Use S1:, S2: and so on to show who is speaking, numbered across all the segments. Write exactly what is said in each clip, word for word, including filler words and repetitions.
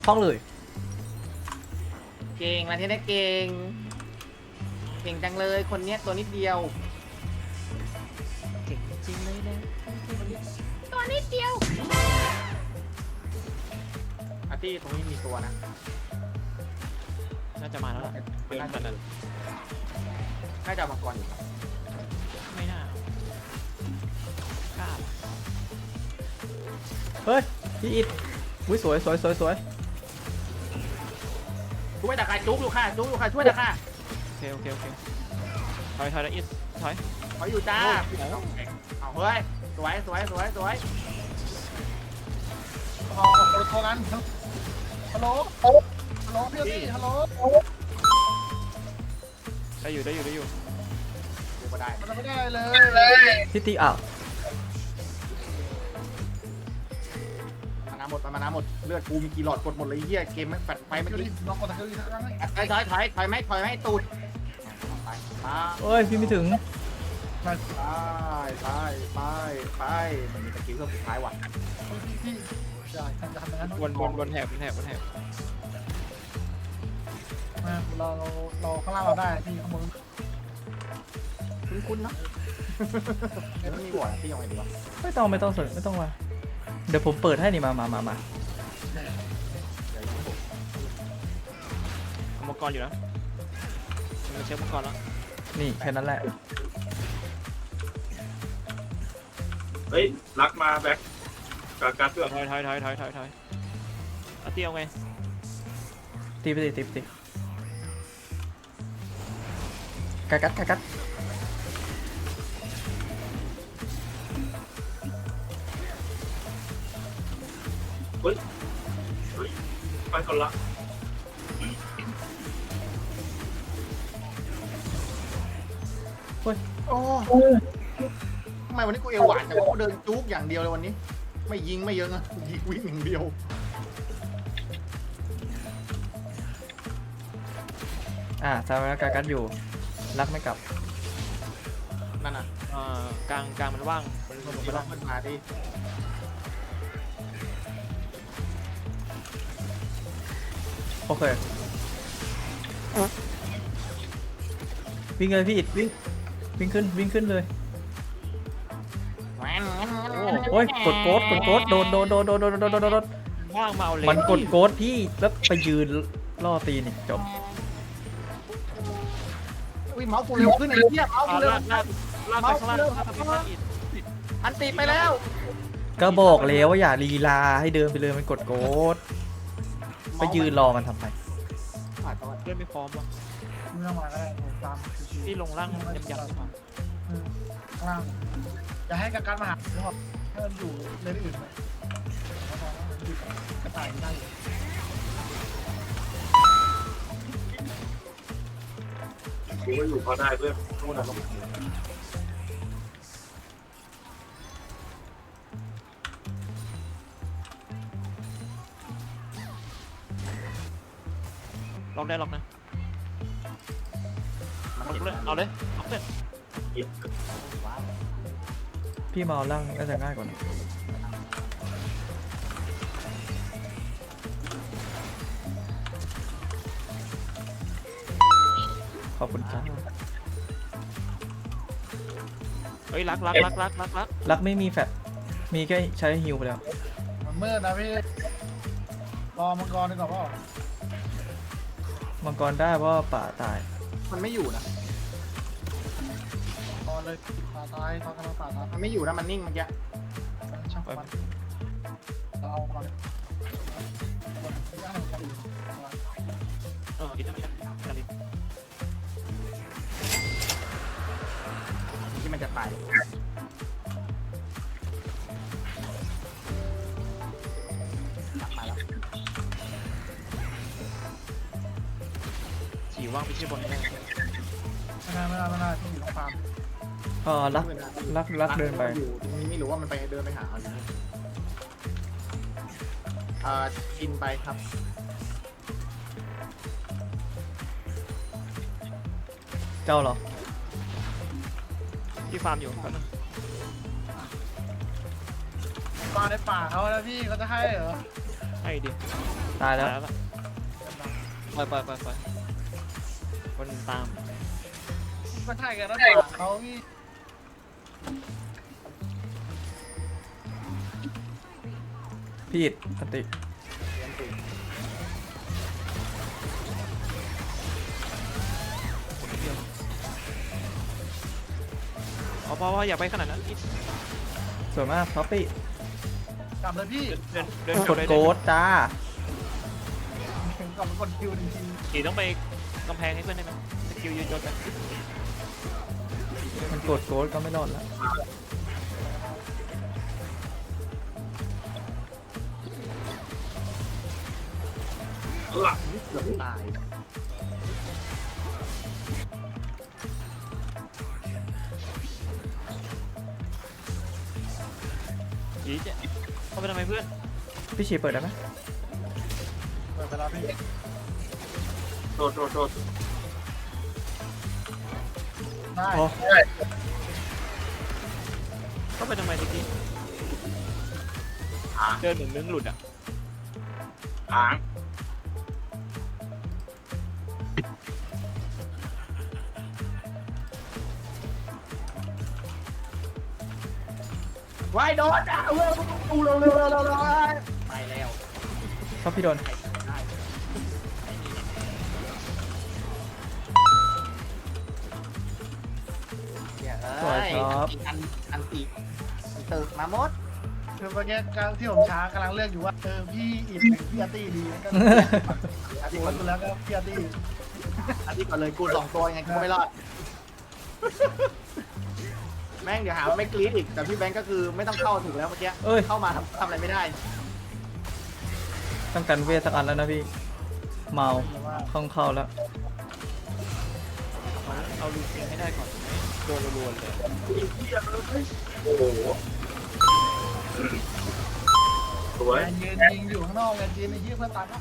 S1: คล่องเลย
S2: เก่งมาเทนได้เก่งเก่งจังเลยคนเนี้ยตัวนิดเดียว
S1: เก่งจริงเลยนะ
S2: ตัวนิดเดียวอาร์ตี้ตรงนี้มีตัวนะ
S3: น่าจะมาแล้วล่ะเดินขนาดนั้น
S2: น่าจะเอามังกรอยู่
S3: ไม่น่ากล้า
S1: เฮ้ยพี่อิดอุ้ยสวยสวยสวยสวย
S2: ช่วยตะกายจุกอยู่ค่ะจุกอยู่ค่ะช่วยตะกาย
S3: โอเคโอเคโอเคถอยถอยแล้วอิสถอย
S2: เขาอยู่จ้าเอาเฮ้ยสวยสวยสวยสวย
S4: เอาเอาโทรกันฮัลโหลฮัลโหลพี่ตี้ฮัลโหล
S3: ได้อยู่ได้อยู่ได้อยู่
S2: ดูมาได้
S4: มันไม่ได้เลย
S1: พี่ตีอ้าว
S2: มานาหมดมานาหมดเลือดกูมีกี่หลอดกดหมดเลยเฮียเกมไม่แฟดไฟเมื่อ
S4: คิวดิ
S2: กี้
S4: ลองกดตะคิวดิสักครั้งไหม
S2: ถอยถอยถอยถอยไหมถอยไหมตูดไปไป
S1: เอ้ยพี่ไม่ถึง
S4: มา
S2: ไปไปไปมันมีตะกิ้วเครื่องสุดท้ายว่ะ
S4: พี่อย่าทำจะทำอย่างนั้น
S3: วนวนวนแถบบนแถบบนแถบ
S4: มาเราเราข้างล่างเราได้ที่ข้างบน
S2: คุ้นๆเนาะเอ้ยมันมีบอร์ดที่ยังไงดีวะ
S1: ไม่ต้องไม่ต้องสนไม่ต้องมาเดี๋ยวผมเปิดให้นี่มามามามา
S2: เดี๋ยวยังไม่ถูก
S3: เอามังกรอยู่นะมันเช็คมังกรแล้ว
S1: นี่แค่นั้นแหละ
S5: เฮ้ยรักมาแบ็คกาการเพื่อ
S3: ถอยถอยถอยถอยถอยถอยเอาเตี้ยวไง
S1: ตีไปตีตีไปตีกัดกัดกัดกัด
S5: เฮ้ยเฮ้ยไปคนละ
S2: โอ้ทำไมวันนี้กูเอวหวานแต่ว่ากูเดินจุกอย่างเดียวเลยวันนี้ ไม่ยิงไม่เยอะนะยิงวิ่งอย่างเดียว
S1: อ่าซาเวลกัดกัดอยู่รักไม่กลับ
S2: นั่นน่ะ
S3: เอ่อกลางกลางมันว่างมันลง
S2: ไป
S3: ไป
S2: ล
S3: แล้
S2: อ
S3: ว
S2: งขึ้นมาดิ
S1: โอเควิ่งเลยพี่อิดวิ่งวิ่งขึ้นวิ่งขึ้นเลยโอ้ยกดโกดกดโกดโดนโดนโดนโดนโดนโดนโดนโดน
S3: ว่างมาเอาเลย
S1: มันกดโกดพี่แล้วไปยืนล่อตีนี่จบ
S2: อุ้ยเมาส์กูเร็วขึ้นไอ้เหี้ยเมาส์
S3: เอา
S2: กูเร็ว
S3: ลากลากลากไปข้างล่างลากไปข้างล่างอีก
S2: อันตีไปแล้ว
S1: ก็บอกแล้วว่าอย่าลีลาให้เดินไปเลยมันกดโกดไปยืนรอมันทำไม
S2: อ่ะตอน
S3: เล่นไม่พร้อมว่ะ
S4: ไม่ต้องมาก็ได้ตามชิว
S3: ที่ลงล่างยำยำดีกว่า
S4: ๆข้างล่างอย่าให้การมาหาหรือว่าให้มันอยู่เลนอื่นไปกระต่ายได้อยู่
S5: กูก็อยู่พอได้เพื่อน
S2: นู่นน่ะลง
S3: ล็อกได้ล็อกนะเอาเลยเอาเลยเอาเลย
S5: ยิบ
S2: ว้าว
S1: พี่มาเอาล่างน่าจะง่ายกว่านะขอบคุณครับ
S3: เฮ้ยรักรักรักรักรักรัก
S1: รักไม่มีแฟตมีแค่ใช้ฮิวไปแล้ว
S4: มันมืดนะพี่รอมังกรดีกว่าป่ะ
S1: มังกรได้เพราะว่าป่าตาย
S2: มันไม่อยู่นะ
S4: ตอนเลยตาตายตอนกำลังตาตาย
S2: มันไม่อยู่นะมันนิ่งเมื่อกี้
S4: ช่างมันเราเอาก่อน
S3: เออกินน้ำกันกันดิ
S2: ที่มันจะตายมาแล้ว
S3: ฉี่ว่างไปที่บนแน่
S4: ไม่ได้ไม่ได้ไม่ได้ที่อยู่ตรงฟาร์ม
S1: เออรักรักรักเดินไป
S2: อยู่ตรงนี้ไม่รู้ว่ามันไปเดินไปหาเอาอยู่เอ่อกินไปครับ
S1: เจ้าเหรอ
S3: ที่ฟาร์มอยู่แป๊บนึง
S4: มาในป่าเขาแล้วพี่เขาจะให้เหรอ
S3: ไอ้ดิ
S1: ตายแล้ว
S3: ตายแล้วปล่อยปล่อยปล่อยปล่อยคนตาม
S4: ก็ใช่กันแล้วป่ะเขาพี่
S1: พี่อิดสติ
S3: เอาเพราะว่าอย่าไปขนาดนั้นอิด
S1: สวยมากท็อปปี้
S4: กลับเลยพี่
S3: เดินเดิน
S1: กดโกดจ้าก
S4: ลับมากดคิวจริง
S3: อีต้องไปกำแพงให้เพื่อนได้ไหมสกิลยืนยนไป
S1: มันกดโกดก็ไม่รอดแล้ว
S5: หลัก
S2: เกือบตาย
S3: อีเจ๊เข้าไปทำไมเพื่อน
S1: พี่ชีเปิดได้ไหม
S4: ๆเปิดไปแล้วพี่
S5: โทษโทษโทษ
S4: ได้
S1: อ๋อ
S3: เข้าไปทำไมตะกี้
S5: หาง
S3: เดินเหมือนมึงหลุดอ่ะ
S5: หาง
S2: วายโดนอ่ะเว้ยกูเร็วเร็วเร็วเร็วเร็วไปแล้ว
S1: ท็อปพี่โดน
S2: ได้เนี่ยเอ้ยอันตีอันอันตีตึกมาหมด
S4: คือเมื่อกี้ที่ผมช้ากำลังเลือกอยู่ว่าเออพี่อิดหรือพี่อาร์ตี้ดีก็
S2: อัน
S4: ดี
S2: ที่
S4: ค
S2: ก่อน
S4: นดูแล้วก็พี่อาร์ตี้
S2: อันที่ก่อนเลยกูสองตัวยังไงกูก็ไม่รอด แม่งเดี๋ยวหาว่าไม่กรี๊ดอีกแต่พี่แบงก์ก็คือไม่ต้องเข้าถูกแล้วเมื่อกี้
S1: เอ้ย
S2: เข้ามาทำทำอะไรไม่ได้
S1: ต้องกันเวทสักอันแล้วนะพี่ เมา
S4: แต่ว่า
S1: เข้าเข้าแล้ว
S3: เอาเอาลูกเองให้ได้ก่อนโดนรัวๆเลย
S5: อีกเหี้ยเลยโอ้โหสวย
S4: งานยืนยิงอยู่ข้างนอกงานยืนในยี่เพื่อนตัดนะ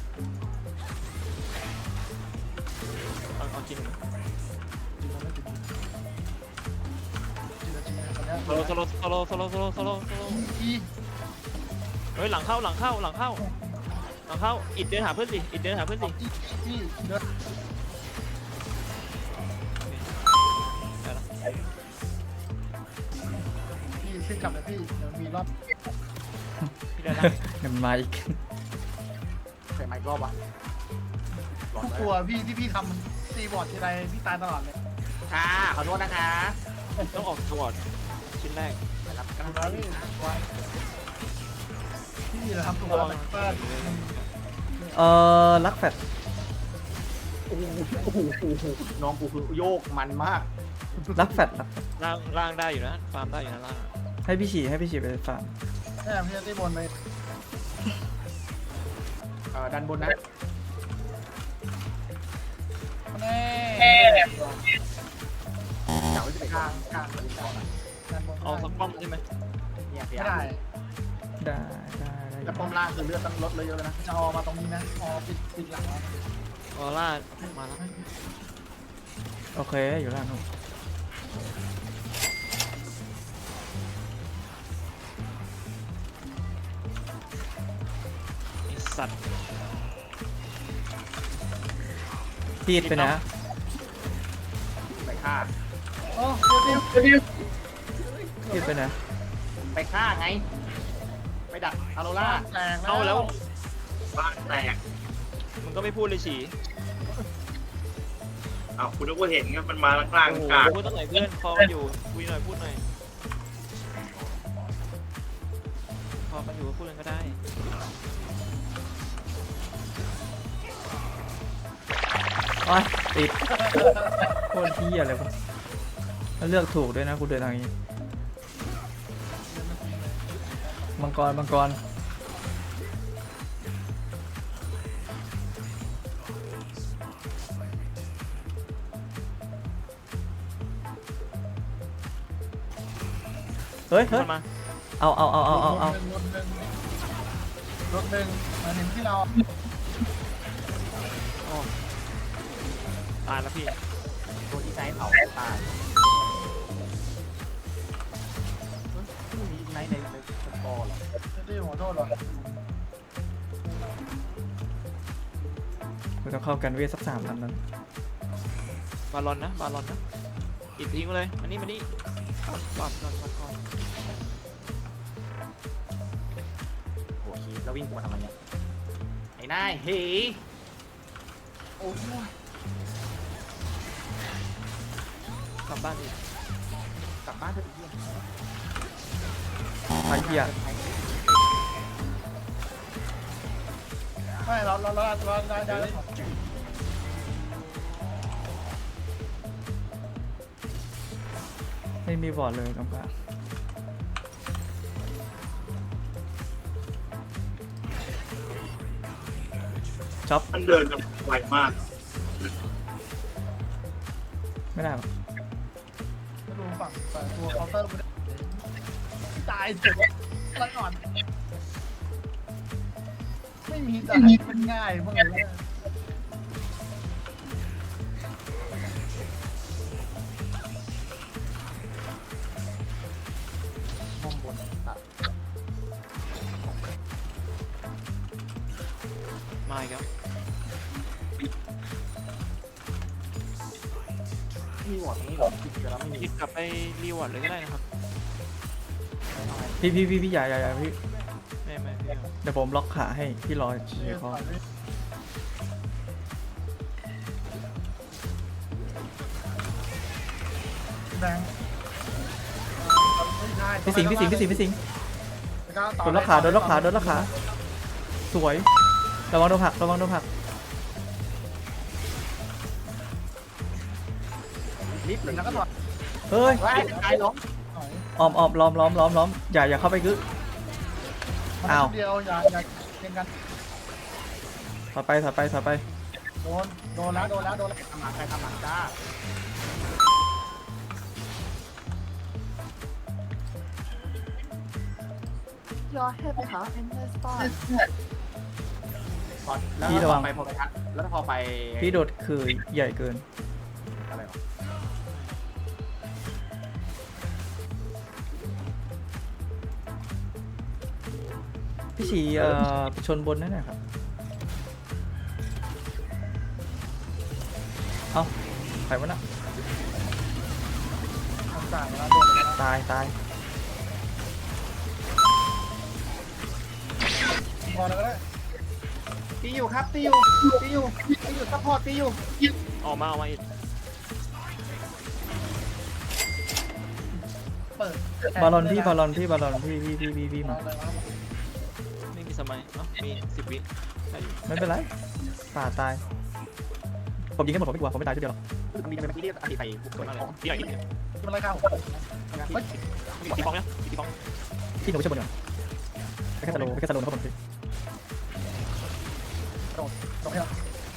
S3: เอาเอาจริง โซโลโซโลโซโลโซโลโซโลโซโลโซโล
S4: อี
S3: เฮ้ยหลังเข้าหลังเข้าหลังเข้าหลังเข้าอิดเดินหาเพื่อนสิอิดเดินหาเพื่อนสิ
S4: อีพี่เดิน
S3: ได้ละ
S4: พี่ขึ้นกลับเลยพี่เดี๋ยวมีรอบ
S3: พี่ได้ละ
S1: เดี๋ยวมันมาอีก
S2: ใส่ไมค์รอบวะ
S4: ทุกตัวพี่ที่พี่ทำตีบอร์ดทีไรพี่ตายตลอดเลย
S2: ค่ะขอโทษนะคะ
S3: ต้องออกสวอตชิ้นแรก
S2: นะครับ
S4: กำลังพี่ไว้พี่เราทำตัวแบบว่า
S1: เอ่อลักแฟด
S2: โอ้โหโอ้โหโอ้โหน้องกูคือโยกมันมาก
S1: ลักแฟดลักแฟด
S3: ล่างล่างได้อยู่นะฟาร์มได้อยู่นะล่าง
S1: ให้พี่ฉีให้พี่ฉีไปฟาร์ม
S4: แม่พี่จะตีบนไป
S2: เอ่อดันบนนะ
S4: แน่
S2: เก่าจะไปข้างข้างมันก่อน
S4: ด้านบน
S3: เอาสักป้อมใช่ไหม
S2: เนี่ยพยา
S4: ไม่
S2: ยาม
S4: ได้
S1: ได้ได้ได้
S2: แต่ป้อมล่างคือเลือดต้องลดเลยเยอะเลยนะ
S4: จะออกมาตรงนี้นะออกปิดปิดหลังแล้ว
S3: ออร่ามาแล้ว
S1: โอเคอยู่ล่างนู้น
S3: ไอ้สัตว์
S1: พี่อิดไปนะ
S2: ไปฆ่า
S4: โอ้เดี๋ยวเดี๋ยว
S1: พี่อิดไปนะ
S2: ไปฆ่าไง ไปดักอาโรล่า
S4: แตก
S3: เอาแล้ว
S5: บ้านแตก
S3: มึงก็ไม่พูดเลยฉี
S5: อ้าวคุณนึกว่าเห็นไงมันมาล่าง
S3: โอ้โห
S5: กลาง
S3: พูดตั้งไหนเพื่อนคอกันอยู่คุยหน่อยพูดหน่อยคอกันอยู่ก็พูดกันก็ได้
S1: โอ้ยติดโคตรที่อะไรวะแล้วเลือกถูกด้วยนะกูเดินทางนี้มังกรมังกรเฮ้ยเฮ้ย
S3: มา
S1: เอาเอาเอาเอาเอาเอา
S4: รถหนึ่งรถหนึ่งมาถึงที่เรา
S3: ตายแล้วพี่
S2: ตัวที่ใช้เผาตายไม่มีไนท์ในในสกอร์หรอ
S4: ที่หัวโทษหรอ
S1: เราต้องเข้ากันเวทสักสามลำนั้น
S3: บาลอนนะบาลอนนะอิดทิ้งไปเลยมานี่มานี่ก่อนก่อนก่อนก่อนก่อน
S2: โอ้โหแล้ววิ่งกูมาทำไมเนี่ยไอ้นายเฮ้ยโอ้ย
S3: กลับบ้านอีก
S2: กลับบ้านเถอะไอ้เหี้ย
S1: ไอ้เหี้ย
S4: ไม่เราเราเราเราได้ได้ได้
S1: ไม่มีบอร์ดเลยกำกับจ็อบ
S5: มันเดินกันไวมาก
S1: ไม่ได้หรอก
S4: ไม่รู้ฝั่งฝั่งตัวเคาน์เตอร์ไม่ได้ตายเจ็บอะไรก่อนไม่มีแต่เป็นง่ายพวกนี้
S2: มองบนตัด
S3: มาอีกแล้ว
S2: มีหมดตรงนี้เหรอคิดกันแล้วไม่มี
S3: อิดกลับไปรีวอร์ดเลยก็ได้นะครับ
S1: พี่พี่พี่พี่อย่าอย่าอย่าพี่
S3: ไม่ไม่ไม่เอา
S1: เดี๋ยวผมล็อกขาให้พี่รอเฉยๆพอ
S4: แบงค์ไม่ใช่
S1: พี่สิงห์พี่สิงห์พี่สิงห์พี่สิงห์
S4: ต่
S1: โดนล็อกขาโดนล็อกขาโดนล็อกขาสวยระวังโดนผลักระวังโดนผลัก
S2: นิดหนึ่ง
S4: แล้วก็ถอด
S1: เฮ้ย
S2: ไว้ตายล้ม
S4: หน่อย
S1: ออมออมล้อมล้อมล้อมล้อมอย่าอย่าเข้าไปกึ
S4: มัน
S1: อ้าว
S4: เดียวอย่าอย่าเล่นกัน
S1: ถอยไปถอยไปถอยไป
S4: โดนโดนแล้วโดนแล้วโดนแล้ว
S2: ทำหลังใครทำหลังจ้า
S6: Your hip hop in the spot.
S2: พอแล้วพอไปพอไปทัดแล้วพอไป
S1: พี่โดดคือใหญ่เกิน
S2: อะไรหรอ
S1: พี่ฉีเอ่อไปชนบนนั่นแหละครับเอ้าใครวะน่ะ
S4: ทำจ่ายแล้วโดนแล้ว
S1: ตายตาย
S4: พอแล้วก็ได้
S2: ตีอยู่ครับตีอยู่ตีอยู่ตีอยู่ซัพพอร์ตตีอยู่
S3: ออกมาออกมาอิด
S4: เปิด
S1: บอลลอนพี่บอลลอนพี่บอลลอนพี่พี่พี่พี่พี่มา
S4: เอาเลยครับ
S3: ไม่มีสมัยเอ้ามีสิบวิได้อยู่
S1: ไม่เป็นไรป่าตายผมยิงกันหมดผมไม่กลัวผมไม่ตายทีเดียวหรอก
S2: ทำดีทำไมเมื่อกี้เรียกอธิใส่บุกเกิด
S3: มา
S2: มา
S3: เล
S2: เลย ย
S3: ตีหน่อยอิด
S4: ที่มันไล่ข้าวผม
S3: ตีฟองเนี่ยตีฟอง
S1: พี่หนูไปชนบนก่อนไปแค่สโลว์ไปแค่สโลว์นะครับผมพี่
S4: ตรงนี้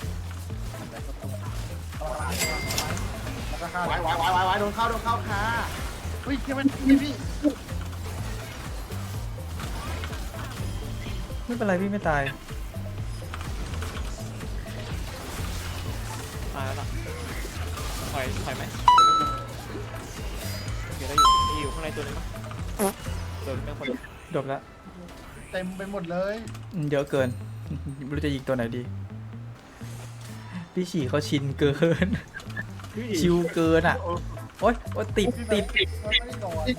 S4: แล้วก็ข้าว
S2: ไว้ไว้ไว้ไว้ไว้โดนเข้าโดนเข้าค่ะ
S4: เฮ้ยที่มันนี่พี่
S1: ไม่เป็นไรพี่ไม่ตาย
S3: ตายแล้วล่ะถอยถอยไหมโอเคได้อยู่มีอยู่ข้างในตัวนึงมั้ยเดินเป็นคน
S1: จบแล้ว
S4: เต็มไปหมดเลย
S1: อืมเยอะเกินไม่รู้จะยิงตัวไหนดี พี่ฉี่เขาชินเกิน ชิวเกินอ่ะโอ๊ยโอ๊ยติดติด
S4: ไม่ได้โดน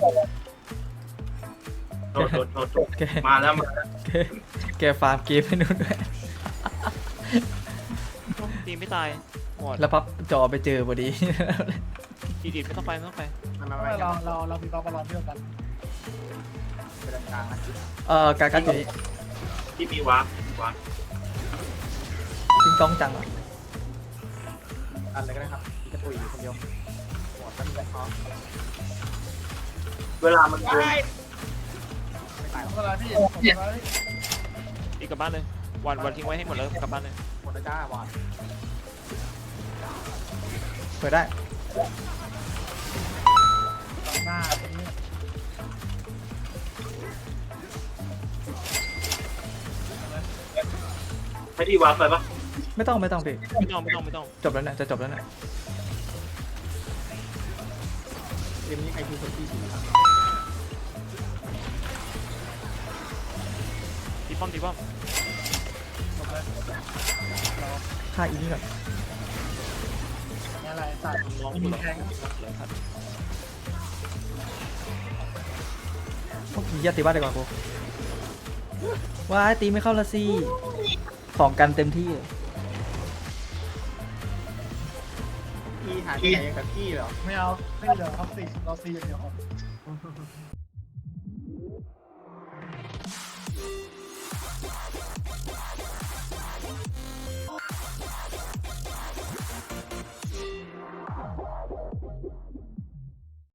S5: โดดโดดโดดโดด
S1: แก
S5: มาแล้วมา
S1: แกแกฟาร์มเกมให้นู่นด้วย
S3: ตีไม่ตายหมด
S1: แล้วพับจอไปเจอพอดี
S3: อีดิดไม่ต้องไปไม่ต้องไป
S2: มามา
S4: ไม่
S2: มา
S4: เราเราเรามีกอล์ฟบอลเที่ยวกัน
S2: ไปด้านกลางนะ
S1: เอ่อการกัดอยู่นี่
S5: ที่มีวาร์ปวาร์ป
S1: ติงต้องจังอ่ะ
S2: อันเลยก็ได้ครับพี่จะตุยอยู่คนเดียวหมดแล้วมีแบงค์พอ
S5: เวลามันโดน
S2: ไม่ตายหรอก
S4: เวลาพี่ผมเวลาพี่
S3: อีกกลับบ้านเลยวันวันทิ้งไว้ให้หมดแล้วกลับบ้านเลย
S2: หมดแล้วจ้าวอด
S1: เปิดได้
S4: หน้านี้
S5: ให้ที่วาร์ปไปปะ
S1: ไม่ต้องไม่ต้องพี่
S3: ไม่ต้องไม่ต้องไม่ต้อง
S1: จบแล้วเนี่ยจะจบแล้วเนี่ย
S2: เกมนี้ใครคือคนที่สี่ครับ
S3: ตีป้อมตีป้อม
S4: จบเลยเรา
S1: ฆ่าอีนี่ก่อน
S4: นี่อะไรสัตว์
S3: น้อง
S4: มี
S3: กูหรอ
S4: แทง
S3: เลยครับ
S1: พวกผีอย่าตีบ้านดีกว่ากูว้ายตีไม่เข้าละสิของกันเต็มที่เลย
S2: อีหาที่ไหนกับกี้เหรอ
S4: ไม่เอาไม่เหลือท็อปสี่เราซีอย่างเดียวครับ